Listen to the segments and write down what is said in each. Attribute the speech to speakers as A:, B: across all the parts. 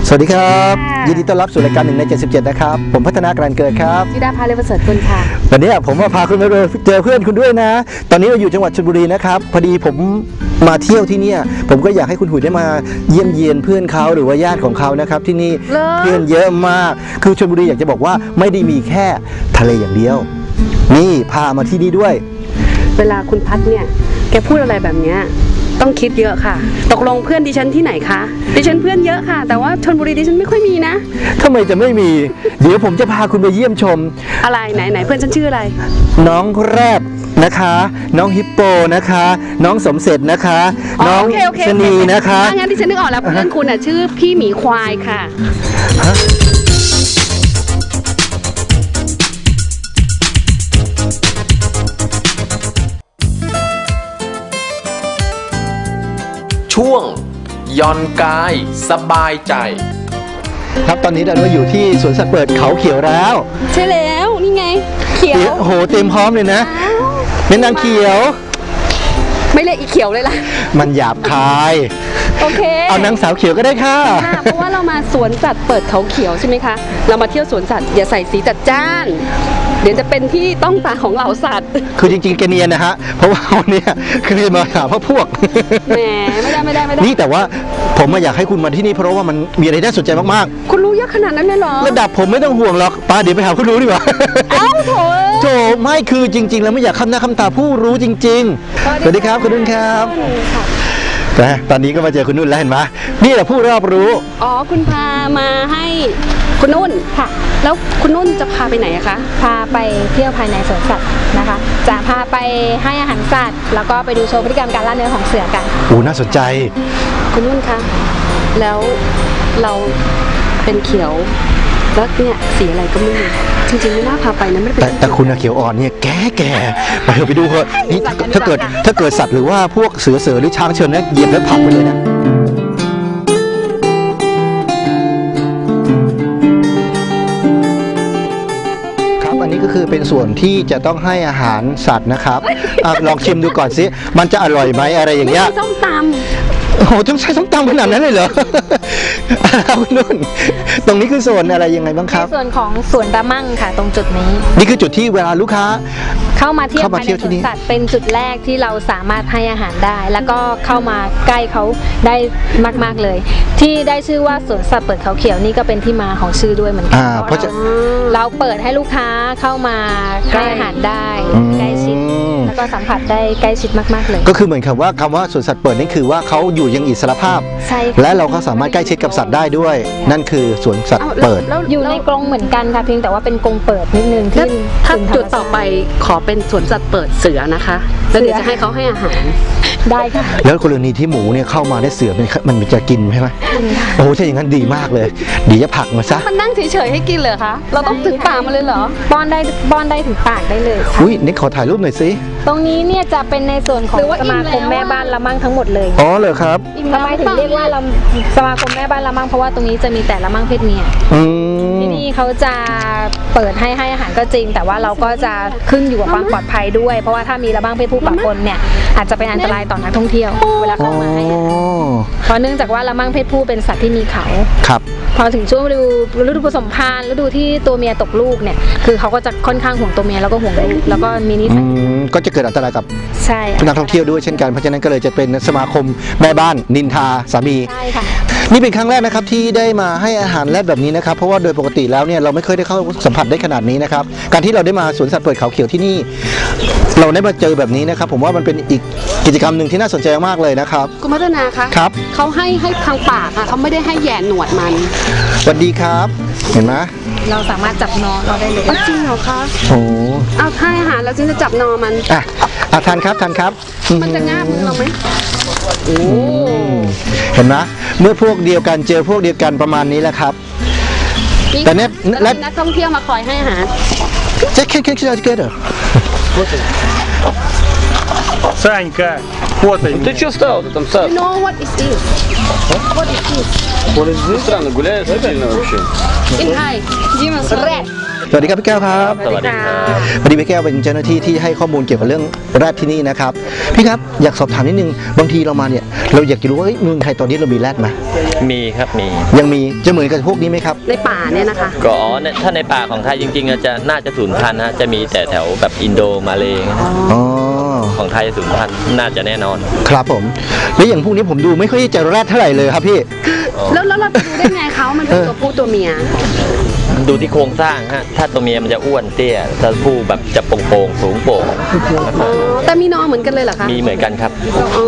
A: สวัสดีครับยินดีต้อนรับสู่รายการ1 ใน 77นะครับผมพัฒนาการเกิดครับ
B: ธิดาภาเลประเสริฐกุลค่ะ
A: วันนี้ผมมาพาคุณไปเจอเพื่อนคุณด้วยนะตอนนี้เราอยู่จังหวัดชลบุรีนะครับพอดีผมมาเที่ยวที่นี่ผมก็อยากให้คุณหุยได้มาเยี่ยมเยียนเพื่อนเขาหรือว่าญาติของเขานะครับที่นี่เพื่อนเยอะมากคือชลบุรีอยากจะบอกว่าไม่ได้มีแค่ทะเลอย่างเดียวนี่พามาที่นี่ด้วย
B: เวลาคุณพัดเนี่ยแกพูดอะไรแบบเนี้ยต้องคิดเยอะค่ะตกลงเพื่อนดิฉันที่ไหนคะดิฉันเพื่อนเยอะค่ะแต่ว่าชลบุรีดิฉันไม่ค่อยมีนะ
A: ทำไมจะไม่มีเดี๋ยวผมจะพาคุณไปเยี่ยมชม
B: อะไรไหนเพื่อนฉันชื่ออะไร
A: น้องแรดนะคะน้องฮิปโปนะคะน้องสมเสร็จนะคะน้องชนีนะคะ
B: งั้นดิฉันนึกออกแล้วเพื่อนคุณอ่ะชื่อพี่หมีควายค่ะ
C: ช่วงย่อนกายสบายใจ
A: ครับตอนนี้เราอยู่ที่สวนสัตว์เปิดเขาเขียวแล้ว
B: ใช่แล้วนี่ไงเขียว
A: โอ้โหเต็มพร้อมเลยนะเป็นนางเขียว
B: ไม่เรียกอีเขียวเลยล่ะ
A: มันหยาบคาย
B: โอเค
A: เอานางสาวเขียวก็ได้ค่ะ
B: เพราะว่าเรามาสวนสัตว์เปิดเขาเขียวใช่ไหมคะเรามาเที่ยวสวนสัตว์อย่าใส่สีจัดจ้านเดี๋ยวจะเป็นที่ต้องตาของเหล่าสัตว์
A: คือจริงๆแกเนียนนะฮะเพราะว่าวันนี้คือมาหาพวก
B: แหมไม่ได้
A: นี่แต่ว่าผมมาอยากให้คุณมาที่นี่เพราะว่ามันมีอะไรน่าสนใจมาก
B: ๆคุณรู้เยอะขนาดนั้นเลยเหรอ
A: ระดับผมไม่ต้องห่วงหรอกป้าเดี๋ยวไปหาผู้รู้ดีกว่า
B: เอ้าโถ
A: ไม่คือจริงๆแล้วไม่อยากคำหน้าคำตาผู้รู้จริงๆสวัสดีครับคุณนุ่นครับตอนนี้ก็มาเจอคุณนุ่นแล้วเห็นไหมนี่แหละผู้รอบรู้
B: อ๋อคุณพามาให้คุณนุ่นค่ะแล้วคุณนุ่นจะพาไปไหนอะคะ
D: พาไปเที่ยวภายในสวนสัตว์นะคะจะพาไปให้อาหารสัตว์แล้วก็ไปดูโชว์พฤติกรรมการล่าเนื้อของเสือกัน
A: โอ้น่าสนใจ
B: คุณนุ่นคะแล้วเราเป็นเขียวแล้วเนี่ยสีอะไรก็ไม่รู้จริงๆไม่น่าพาไปนะไม่เป็น
A: แต่คุณเขียวอ่อนเนี่ยแก่ไปดูเถอะนี่ถ้าเกิดสัตว์หรือว่าพวกเสือหรือช้างเชิญเนี่ยเหยียบแล้วผลักไปเลยนะครับอันนี้ก็คือเป็นส่วนที่จะต้องให้อาหารสัตว์นะครับลองชิมดูก่อนสิมันจะอร่อยไหมอะไรอย่างเงี้ย
B: ส้มตำ
A: โอ้โหต้องใช้ส้มตำขนาดนั้นเลยเหรอคุณนุ่นตรงนี้คือส่วนอะไรยังไงบ้างครับ
D: ส่วนของสวนระมั่งค่ะตรงจุดนี้
A: นี่คือจุดที่เวลาลูกค้า
D: เข้ามาเที่ยวภายในสวนสัตว์เป็นจุดแรกที่เราสามารถให้อาหารได้แล้วก็เข้ามาใกล้เขาได้มากๆเลยที่ได้ชื่อว่าสวนสัตว์เปิดเขาเขียวนี่ก็เป็นที่มาของชื่อด้วยเหมือนกันเพราะเราเปิดให้ลูกค้าเข้ามาให้อาหารได้ใกล้ชิดแล้วก็สัมผัสได้ใกล้ชิดมากๆเลย
A: ก็คือเหมือนคำว่าสวนสัตว์เปิดนี่คือว่าเขาอยู่ยังอิสรภาพและเราก็สามารถใกล้ชิดกับสัตว์ได้ด้วยนั่นคือสวนสัตว์เปิด
D: อยู่ในกรงเหมือนกันค่ะเพียงแต่ว่าเป็นกรงเปิดนิดนึงที่
B: ถ้าจุดต่อไปขอเป็นสวนสัตว์เปิดเสือนะคะแล้วเดี๋ยวจะให้เขาให้อาหาร
D: ได้ค่ะ
A: แล้วกรณีที่หมูเนี่ยเข้ามาได้เสือมันจะกินใช่ไหมโอ้ใช่อย่างนั้นดีมากเลยดีจะผักมาซะ
B: มันนั่งเฉยๆให้กินเลยคะเราต้องถึงปากมาเลยเหรอ
D: ป้อนได้ถึงปากได้เลย
A: อุ้ยนี่ขอถ่ายรูปหน่อยสิ
D: ตรงนี้เนี่ยจะเป็นในส่วนของสมาคมแม่บ้านละมั่งทั้งหมดเลย
A: อ๋อเหรอครับ
D: ทำไมถึงเรียกว่าสมาคมแม่บ้านละมั่งเพราะว่าตรงนี้จะมีแต่ละมั่งเพศเมียที่นี่เขาจะเปิดให้อาหารก็จริงแต่ว่าเราก็จะขึ้นอยู่กับความปลอดภัยด้วยเพราะว่าถ้ามีละมั่งเพศผู้ปะปนเนี่ยอาจจะเป็นอันตรายต่อนักท่องเที่ยวเวลาเข้ามาให้เพราะเนื่องจากว่าละมั่งเพศผู้เป็นสัตว์ที่มีเขา
A: ครับ
D: พอถึงช่วงฤดูผสมพันธุ์ฤดูที่ตัวเมียตกลูกเนี่ยคือเขาก็จะค่อนข้างห่วงตัวเมียแล้วก็ห่วงลูกแล้วก็มีนิสัย
A: ก็จะเกิดอันตรายกับ
D: ใช่
A: นักท่องเที่ยวด้วยเช่นกันเพราะฉะนั้นก็เลยจะเป็นสมาคมแม่บ้านนินทาสามี
D: ใช่ค่ะ
A: นี่เป็นครั้งแรกนะครับที่ได้มาให้อาหารแรดแบบนี้นะครับเพราะว่าโดยปกติแล้วเนี่ยเราไม่เคยได้เข้าสัมผัสได้ขนาดนี้นะครับการที่เราได้มาสวนสัตว์เปิดเขาเขียวที่นี่เราได้มาเจอแบบนี้นะครับผมว่ามันเป็นอีกกิจกรรมหนึ่งที่น่าสนใจมากเลยนะครับ
B: คุณพัฒนาคะ
A: ครับ
B: เขาให้ทางปากค่ะเขาไม่ได้ให้แย่หนวดมัน
A: สวัสดีครับเห็นไหม
D: เราสามารถจับนอเราได้เลย
B: จริงเหรอคะ
A: โอ้
B: เอาให้อาหารแล้วฉันจะจับนอมัน
A: ทานครับ
B: มันจะง่ามมือเราไหม
A: โอ้เห็นไหมเมื่อพวกเดียวกันเจอพวกเดียวกันประมาณนี้แหละครับ
B: แต่เนี่ยนักท่องเที่ยวมาคอยให้อาหาร
A: จะแค่together
E: Санька, вот они.
C: Ты что стал? Ты там сад?
B: You know what is this? What is this?
C: Странно, гуляет сильно вообще.
B: In Thai, Dimas red.
A: สวัสดีครับพี่แก้วครับ
B: สวัสดีค่ะ
A: พอดีพี่แก้วเป็นเจ้าหน้าที่ที่ให้ข้อมูลเกี่ยวกับเรื่องแรดที่นี่นะครับพี่ครับอยากสอบถามนิดนึงบางทีเรามาเนี่ยเราอยากจะรู้ว่าเมืองไทยตอนนี้เรามีแรดไหม
F: มีครับมี
A: ยังมีจะเหมือนกับพวกนี้ไหมครับ
B: ในป่าเนี่ยนะคะ
F: ก็ถ้าในป่าของไทยจริงๆจะน่าจะสูญพันธุ์นะจะมีแต่แถวแบบอินโดมาเลย์
A: อ๋อ
F: ของไทยสูญพันธุ์น่าจะแน่นอน
A: ครับผมแล้วอย่างพวกนี้ผมดูไม่ค่อยจะแรดเท่าไหร่เลยครับพี่
B: แล้วเราจะดูได้ไงเขามันเป็นตัวผู้ตัวเมีย
F: ดูที่โครงสร้างฮะถ้าตัวเมียมันจะอ้วนเตี้ยถ้าผู้แบบจะโป่งๆสูงโป่ง
B: อ๋อแต่มีนอเหมือนกันเลยเหรอคะ
F: มีเหมือนกันครับ
B: อ๋อ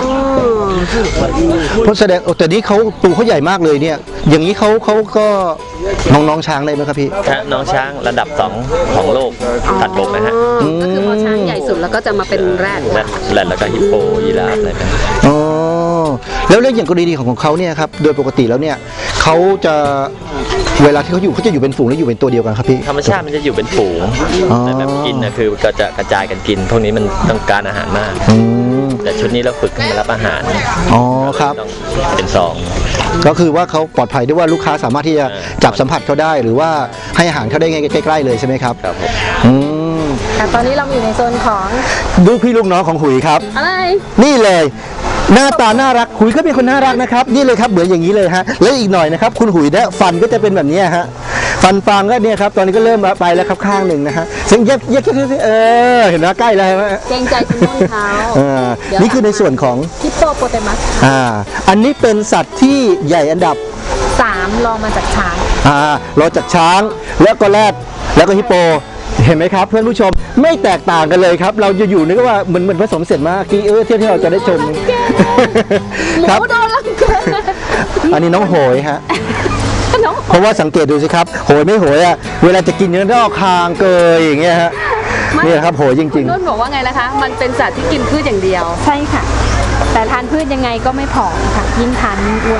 A: เพราะแสดงแต่นี้เขาตัวเขาใหญ่มากเลยเนี่ย อย่างนี้เขาก็น้องช้างได้ไหมครับพี่
F: ถ้าน้องช้างระดับ2ของโลกสัตว์บกนะฮะ
B: ก็คือพอช้างใหญ่สุดแล้วก็จะมาเป็นแรด
F: แล้วก็ฮิปโปยีราฟอะไรแบบนี้
A: อ๋อแล้วเรื่องอย่างกรณีของเขาเนี่ยครับโดยปกติแล้วเนี่ยเขาจะเวลาที่เขาจะอยู่เป็นฝูงหรืออยู่เป็นตัวเดียวกันครับพี่
F: ธรรมชาติมันจะอยู่เป็นฝูง
A: อ๋อ
F: แต่แบบกินนะคือก็จะกระจายกันกินพวกนี้มันต้องการอาหารมาก
A: อืม
F: แต่ชุดนี้เราฝึกให้มารับอาหาร
A: อ๋อครับ
F: ต้องเป็นซอง
A: ก็คือว่าเขาปลอดภัยด้วยว่าลูกค้าสามารถที่จะจับสัมผัสเขาได้ หรือว่าให้อาหารเขาได้ใกล้ๆเลยใช่ไหมครับ
F: ครับผม
A: อืม
D: ค่ะตอนนี้เราอยู่ในโซนของ
A: ลูกพี่ลูกน้องของหุยครับ
B: อะไร
A: นี่เลย หน้าตาน่ารักหุยก็เป็นคนน่ารักนะครับนี่เลยครับเหมือนอย่างนี้เลยฮะแล้วอีกหน่อยนะครับคุณหุยเนี่ยฟันก็จะเป็นแบบนี้ฮะฟันฟางก็เนี่ยครับตอนนี้ก็เริ่มไปแล้วครับข้างหนึ่งนะฮะซึ่งเย็บเห็นไหมใกล้แล้วใช่ไหม
D: เกรงใจคุณนุ่นเขา
A: นี่คือในส่วนของ
D: ฮิปโปโปเตมัส
A: อันนี้เป็นสัตว์ที่ใหญ่อันดับ
D: 3 ลองมาจากช้าง
A: รอจากช้างแล้วก็แรดแล้วก็ฮิปโปเห็นไหมครับเพื่อนผู้ชมไม่แตกต่างกันเลยครับเราจะอยู่นึกว่าเหมือนผสมเสร็จมากที่เที่ยวที่เราจะได้ชมครับ
D: โดนลังแก
A: อันนี้น้องโหยฮะเพราะว่าสังเกตดูสิครับโหยไม่โหยอ่ะเวลาจะกินเนี่ยต้องเอาคางเกยอย่างเงี้ยฮะนี่ครับโหยจริง
B: นุ่นบอกว่าไงนะคะ มันเป็นสัตว์ที่กินพืชอย่างเดียว
D: ใช่ค่ะ แต่ทานพืชยังไงก็ไม่ผอมค่ะ ยิ่งทานยิ่งอ้วน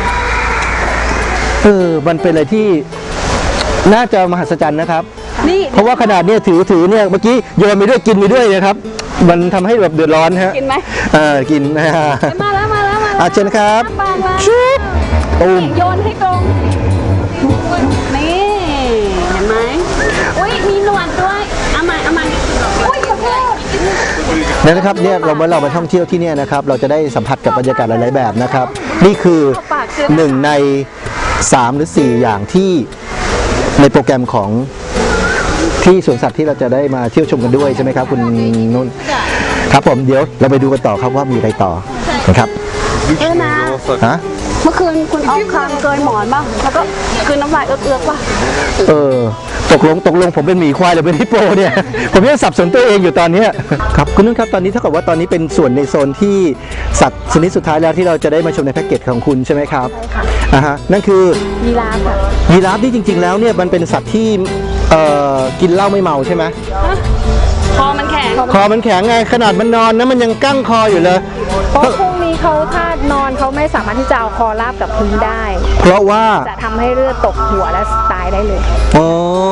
A: มันเป็นอะไรที่น่าจะมหัศจรรย์นะครับ
B: นี่
A: เพราะว่าขนาดเนี่ยถือเนี่ยเมื่อกี้โยนไปด้วยกินไปด้วยนะครับมันทำให้แบบเดือดร้อนฮะ
B: กินไหม
A: กินนะฮะ
B: มาแล้ว
A: เชิญครับ
B: ปางแล้ว
A: ชุบตูม
B: โยนให้ตรงนี่เห็นไหมอุ้ยมีหนวดด้วยเอาใหม่อุ้ยขอโทษ
A: นะครับเนี่ยเรามาท่องเที่ยวที่เนี่ยนะครับเราจะได้สัมผัสกับบรรยากาศหลายๆแบบนะครับนี่คือ1 ใน 3 หรือ 4 อย่างที่ในโปรแกรมของที่สวนสัตว์ที่เราจะได้มาเที่ยวชมกันด้วยใช่ไหมครับคุณนุ่นครับผมเดี๋ยวเราไปดูกันต่อครับว่ามีอะไรต่อนะครับ
B: นะ
A: ฮะ
B: เมื่อคืนคุณเอาคางเกยหมอนบ้างแล้วก็คืนน้ำลายเอื้อกๆป่ะ
A: ตกลงผมเป็นหมีควายหรือเป็นฮิปโปเนี่ย ผมยังสับสนตัวเองอยู่ตอนเนี้ยครับคุณนุ่นครับตอนนี้เท่ากับว่าตอนนี้เป็นส่วนในโซนที่สัตว์ชนิดสุดท้ายแล้วที่เราจะได้มาชมในแพ็กเกจของคุณใช่ไหมครับนั่นคือ
D: ยีราฟค่ะ
A: ยีราฟที่จริงๆแล้วเนี่ยมันเป็นสัตว์ที่กินเหล้าไม่เมาใช่ไหม
B: คอมันแข็ง
A: คอมันแข็งไงขนาดมันนอนนะมันยังกั้งคออยู่เลย
D: เพราะพวกนี้เขาถ้านอนเขาไม่สามารถที่จะเอาคอราบกับพื้นได้
A: เพราะว่า
D: จะทำให้เลือดตกหัวและตายได้เลย
A: อ๋อ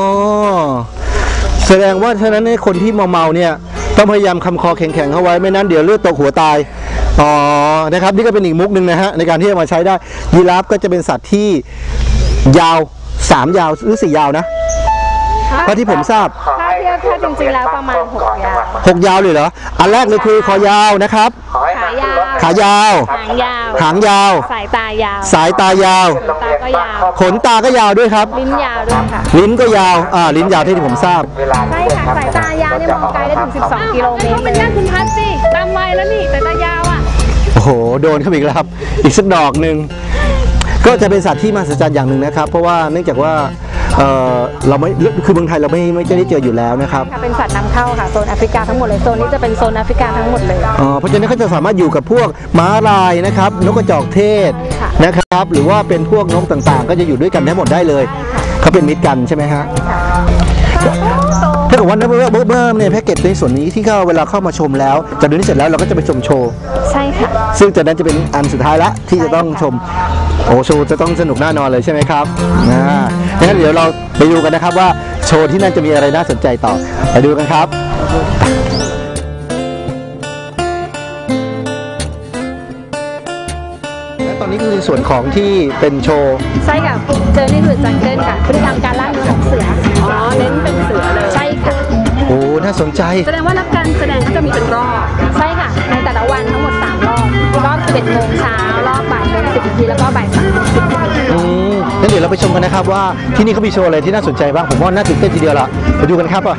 A: แสดงว่าฉะนั้นคนที่เมาๆเนี่ยต้องพยายามคำคอแข็งๆเข้าไว้ไม่นั้นเดี๋ยวเลือดตกหัวตายอ๋อนะครับนี่ก็เป็นอีกมุกหนึ่งนะฮะในการที่จะมาใช้ได้ยีราฟก็จะเป็นสัตว์ที่ยาว3 ยาวหรือ4 ยาวนะเพราะที่ผมทราบ
D: ถ้าเทียบถ้าจริงๆแล้วประมาณ6 ยาว
A: 6 ยาวเลยเหรออันแรกเลยคือคอยาวนะครับ
D: ขายาว
A: ขายาว
D: หางยาว
A: หางยาว
D: สายตายาว
A: สายตายาว
D: ตาก็ยาว
A: ขนตาก็ยาวด้วยครับ
D: ลิ้นยาวด้วยค่ะ
A: ลิ้นก็ยาวลิ้นยาวที่ผมทราบ
D: ใช่ค่ะสายตายาวเนี่ยมองไกลได้ถึง 12 กิโลเมตร
B: ก็เป็นญาติคุณพัดสิตามวัยแล้วนี่แต่ตายาวอ่ะ
A: โอ้โหโดนเข้าไปอีกแล้วครับอีกสักดอกหนึ่งก็จะเป็นสัตว์ที่มหัศจรรย์อย่างหนึ่งนะครับเพราะว่าเนื่องจากว่าเราไม่คือเมืองไทยเราไม่ได้เจออยู่แล้วนะครับ
D: ค่ะเป็นสัตว์นำเข้าค่ะโซนแอฟริกาทั้งหมดเลยโซนนี้จะเป็นโซนแอฟริกาทั้งหมดเลย
A: เพราะฉะนั้นเขาจะสามารถอยู่กับพวกม้าลายนะครับนกกระจอกเทศ
D: ค่ะ
A: นะครับหรือว่าเป็นพวกนกต่างๆ ก็จะอยู่ด้วยกันได้หมดได้เลยเขาเป็นมิตรกันใช่ไหมฮะถ้าเกิดว่าเบิ้มเนี่ยแพ็กเกจในส่วนนี้ที่เขาเวลาเข้ามาชมแล้วจากนี้เสร็จแล้วเราก็จะไปชมโชว์
D: ใช่ค่ะ
A: ซึ่งจากนั้นจะเป็นอันสุดท้ายละที่จะต้องชมโอ้โชว์จะต้องสนุกแน่นอนเลยใช่ไหมครับงั้นเดี๋ยวเราไปดูกันนะครับว่าโชว์ที่นั่นจะมีอะไรน่าสนใจต่อไปดูกันครับและตอนนี้คือในส่วนของที่เป็นโชว์
D: ใช่ค่ะเจอนี่คือจังเกิลค่ะพฤติกรรมการล่าเนื้อของเสือ
B: อ๋อเน้นเป็นเสื
A: าสนใจ
B: แสดงว่านักการแสดงก็จะมีเป็นรอบ
D: ใช่ค่ะในแต่ละวันทั้งหมด3 รอบรอบ 11 โมงเช้ารอบบ่ายโมง10 นาทีแล้วก็บ่าย3 โมง10 นาที
A: งั้นเดี๋ยวเราไปชมกันนะครับว่าที่นี่เขามีโชว์อะไรที่น่าสนใจบ้างผมว่าน่าตื่นเต้นทีเดียวละไปดูกันครับ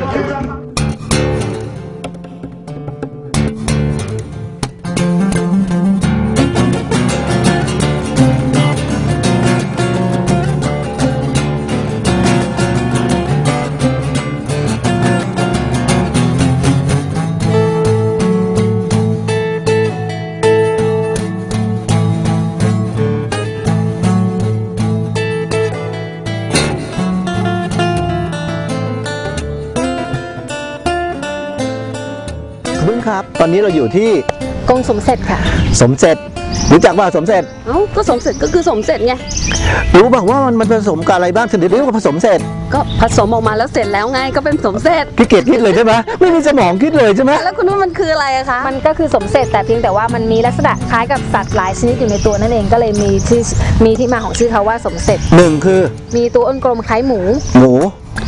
A: บึ้งครับตอนนี้เราอยู่ที่
D: กงสมเสร็จค่ะ
A: สมเสร็จรู้จักว่าสมเสร็จ
B: เอ้าก็สมเสร็จก็คือสมเสร็จไง
A: รู้ป่ะว่ามันผสมกับอะไรบ้างถึงได้เรียกว่าผสมเสร็จ
B: ก็ผสมออกมาแล้วเสร็จแล้วไงก็เป็นสมเสร็จ
A: พี่เกดคิดเลยใช่ไหมไม่มีสมองคิดเลยใช่ไหม
B: แล้วคุณว่ามันคืออะไรอะคะ
D: มันก็คือสมเสร็จแต่เพียงแต่ว่ามันมีลักษณะคล้ายกับสัตว์หลายชนิดอยู่ในตัวนั่นเองก็เลยมีที่มาของชื่อเขาว่าสมเสร็จ
A: หนึ่งคือ
D: มีตัวอ้นกลมคล้ายหมู
A: หมู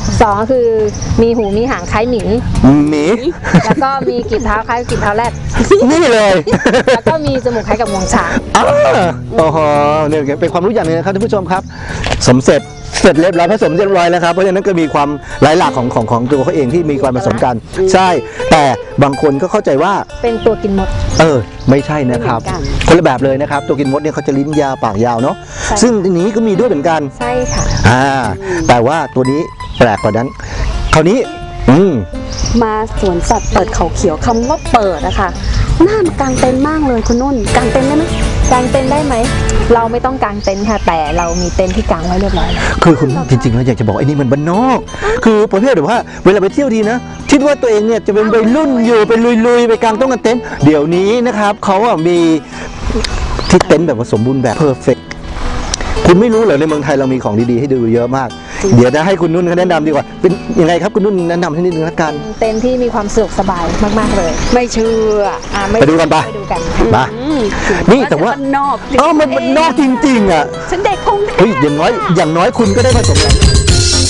D: 2 ก็คือมีหูมีหางคล้ายหมี
A: หมี
D: แล้วก็มีกีบเท้าคล้ายกับกีบเท้าแรด
A: นี่เลย
D: แล้วก็มีจมูกคล้ายกับงวงช้าง
A: อ้าวโอ้โหเนี่ยเป็นความรู้อย่างหนึงนะครับท่านผู้ชมครับ สมเสร็จเสร็จเรียบร้อยผสมเรียบร้อยแล้วครับเพราะฉะนั้นก็มีความหลายหลากของตัวเขาเองที่มีความผสมกัน ใช่ แต่บางคนก็เข้าใจว่า
D: เป็นตัวกินมด
A: ไม่ใช่นะครับ คนละแบบเลยนะครับ ตัวกินมดเนี่ยเขาจะลิ้นยาวปากยาวเนาะ
D: ใช่
A: ซึ่งอันนี้ก็มีด้วยเหมือนกัน
D: ใช่ค่ะ
A: แต่ว่าตัวนี้แปลกกว่านั้น คราวนี้
B: มาสวนสัตว์เปิดเขาเขียวคำว่าเปิดอะค่ะน่ากางเต็นท์มากเลยคุณนุ่นกางเต็นท์ได้ไหม
D: กางเต็นท์ได้ไหม เราไม่ต้องกางเต็นท์ค่ะ แต่เรามีเต็นท์ที่กางไว้เรียบร้อยแล้ว
A: คือคุณจริงๆแล้วอยากจะบอกไอ้นี่มันบ้านนอก คือประเภทแบบว่าเวลาไปเที่ยวทีนะคิดว่าตัวเองเนี่ยจะเป็นวัยรุ่นอยู่ไปลุยๆไปกางต้องกันเต็นท์เดี๋ยวนี้นะครับเขาอะมีที่เต็นท์แบบว่าสมบูรณ์แบบเพอร์เฟกต์คุณไม่รู้เหรอในเมืองไทยเรามีของดีๆให้ดูเยอะมาก เดี๋ยวจะให้คุณนุ่นเขาแนะนำดีกว่าเป็นยังไงครับคุณนุ่นแนะนำให้นิดนึงละกัน
D: เต็นท์ที่มีความสะดวกสบายมากๆเลย
B: ไม่เชื่อ
A: ไปดูกันปะ
D: ไปดูกัน
A: มานี่แต่ว่า
B: บ้นนอก
A: มันนอกจริงๆอ่ะ
B: ฉันเด็กคง
A: เฮ้ยอย่างน้อยคุณก็ได้ผสมกัน